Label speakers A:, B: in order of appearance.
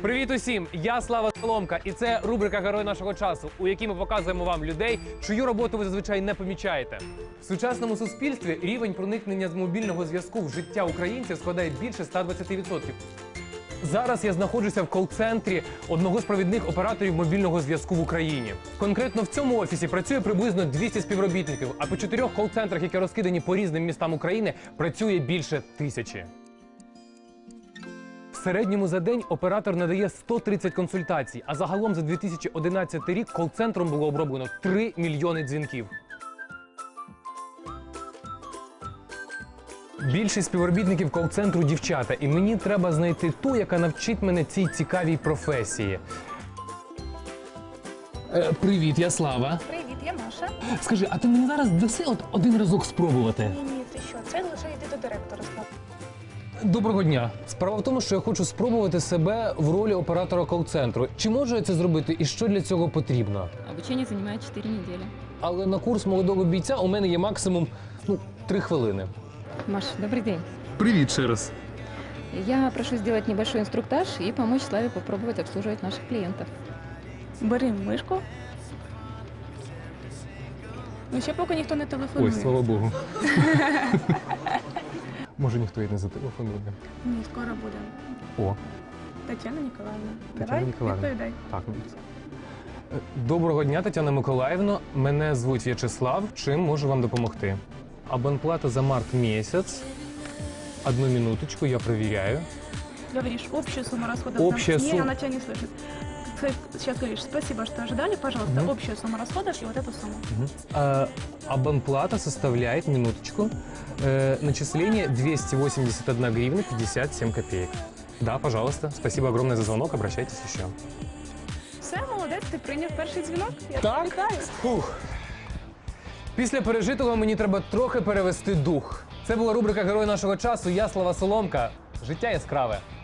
A: Привіт усім! Я Слава Соломка, і це рубрика «Герой нашого часу», у якій ми показуємо вам людей, чию роботу ви зазвичай не помічаєте. В сучасному суспільстві рівень проникнення з мобільного зв'язку в життя українців складає більше 120%. Зараз я знаходжуся в кол-центрі одного з провідних операторів мобільного зв'язку в Україні. Конкретно в цьому офісі працює приблизно 200 співробітників, а по 4 кол-центрах, які розкидані по різним містам України, працює більше 1000. В середньому за день оператор надає 130 консультацій, а загалом за 2011 рік кол-центром було оброблено 3 мільйони дзвінків. Більшість співробітників кол-центру – дівчата, і мені треба знайти ту, яка навчить мене цій цікавій професії. Привіт, я Слава.
B: Привіт, я Маша.
A: Скажи, а ти мені зараз даси один разок спробувати?
B: Ні, ти що? Це лише йти до директора.
A: Доброго дня. Справа в тому, що я хочу спробувати себе в ролі оператора кол-центру. Чи можу я це зробити і що для цього потрібно?
C: Обучение занимает 4 недели.
A: Але на курс молодого бійця у мене є максимум 3 хвилини.
C: Маш, добрый день.
A: Привіт ще раз.
C: Я прошу сделать небольшой инструктаж и помочь Славе попробовать обслуживать наших клиентов.
B: Бери мишку. Ну, ще поки ніхто не телефонує.
A: Ой, слава Богу. Може, ніхто і не зателефонує.
B: Ні, скоро буде.
A: О,
B: Тетяна Ніколаївна.
A: Тетяна
B: Давай,
A: Ніколаївна.
B: відповідай.
A: так. Доброго дня, Тетяна Миколаївна. Мене звуть В'ячеслав. Чим можу вам допомогти? Абонплата за март місяць. Одну минуточку, я перевіряю.
B: Говоришь, общую сумму расходов.
A: Общая
B: Не,
A: сумма.
B: она тебя не слышит. Сейчас говоришь, спасибо, что ожидали, пожалуйста, общую сумму расходов и вот эту сумму.
A: Абонплата составляет, минуточку, начисление 281 гривна 57 копеек. Да, пожалуйста. Спасибо огромное за звонок. Обращайтесь еще.
B: Все, молодець, ти прийняв перший дзвінок. Я
A: Так?
B: тебе вітаю.
A: Фух. Після пережитого мені треба трохи перевести дух. Це була рубрика «Герой нашого часу». Я Слава Соломка. Життя яскраве.